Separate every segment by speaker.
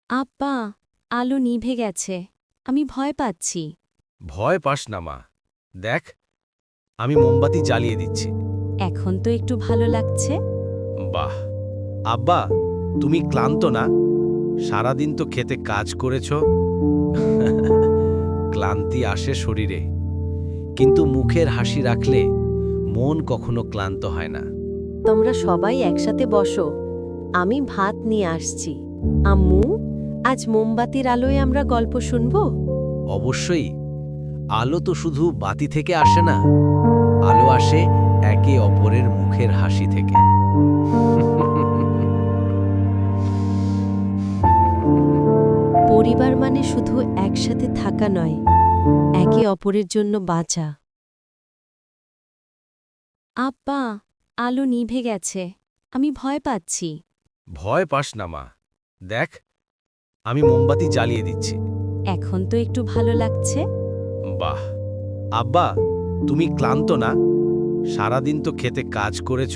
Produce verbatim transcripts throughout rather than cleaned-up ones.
Speaker 1: আব্বা, আলো নিভে গেছে। আমি ভয় পাচ্ছি।
Speaker 2: ভয় পাস না মা। দেখ, আমি মোমবাতি জ্বালিয়ে দিচ্ছি।
Speaker 1: এখন তো একটু ভালো লাগছে।
Speaker 2: বাহ! আব্বা, তুমি ক্লান্ত না? সারাদিন তো খেতে কাজ করেছ। ক্লান্তি আসে শরীরে, কিন্তু মুখের হাসি রাখলে মন কখনো ক্লান্ত হয় না।
Speaker 3: তোমরা সবাই একসাথে বসো, আমি ভাত নিয়ে আসছি। আম্মু, আজ মোমবাতির আলোয় আমরা গল্প শুনব।
Speaker 2: অবশ্যই। আলো তো শুধু বাতি থেকে আসে না, আলো আসে একে অপরের মুখের হাসি থেকে।
Speaker 3: পরিবার মানে শুধু একসাথে থাকা নয়, একে অপরের জন্য বাঁচা।
Speaker 1: আব্বা, আলো নিভে গেছে। আমি ভয় পাচ্ছি।
Speaker 2: ভয় পাস না মা। দেখ, আমি মোমবাতি জ্বালিয়ে দিচ্ছি।
Speaker 1: এখন তো একটু ভালো লাগছে।
Speaker 2: বাহ! আব্বা, তুমি ক্লান্ত না? সারাদিন তো খেতে কাজ করেছ।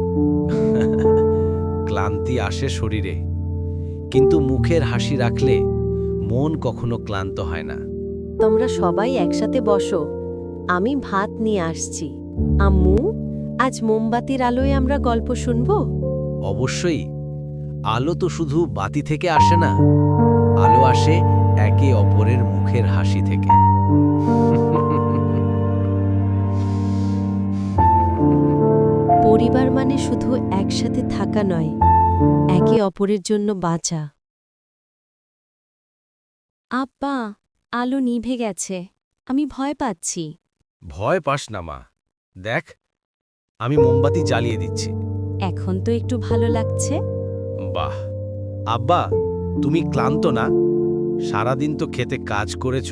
Speaker 2: ক্লান্তি আসে শরীরে, কিন্তু মুখের হাসি রাখলে মন কখনো ক্লান্ত হয় না।
Speaker 3: তোমরা সবাই একসাথে বসো, আমি ভাত নিয়ে আসছি। আম্মু, আজ মোমবাতির আলোয় আমরা গল্প শুনব।
Speaker 2: অবশ্যই। আলো তো শুধু বাতি থেকে আসে না, আলো আসে একে অপরের মুখের হাসি থেকে।
Speaker 3: পরিবার মানে শুধু একসাথে থাকা নয়, একে অপরের জন্য বাঁচা।
Speaker 1: আব্বা, আলো নিভে গেছে। আমি ভয় পাচ্ছি।
Speaker 2: ভয় পাস না মা। দেখ, আমি মোমবাতি জ্বালিয়ে দিচ্ছি।
Speaker 1: এখন তো একটু ভালো লাগছে।
Speaker 2: বাহ! আব্বা, তুমি ক্লান্ত না? সারাদিন তো খেতে কাজ করেছ।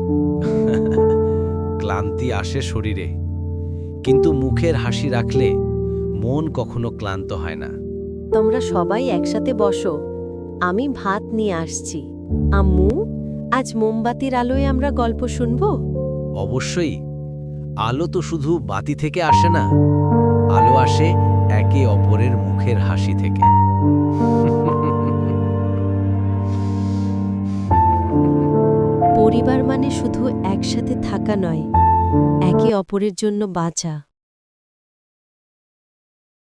Speaker 2: ক্লান্তি আসে শরীরে, কিন্তু মুখের হাসি রাখলে মন কখনো ক্লান্ত হয় না।
Speaker 3: তোমরা সবাই একসাথে বসো, আমি ভাত নিয়ে আসছি। আম্মু, আজ মোমবাতির আলোয় আমরা গল্প শুনব।
Speaker 2: অবশ্যই। আলো তো শুধু বাতি থেকে আসে না, আলো আসে একে অপরের মুখের হাসি থেকে।
Speaker 3: পরিবার মানে শুধু একসাথে থাকা নয়, একে অপরের জন্য বাঁচা।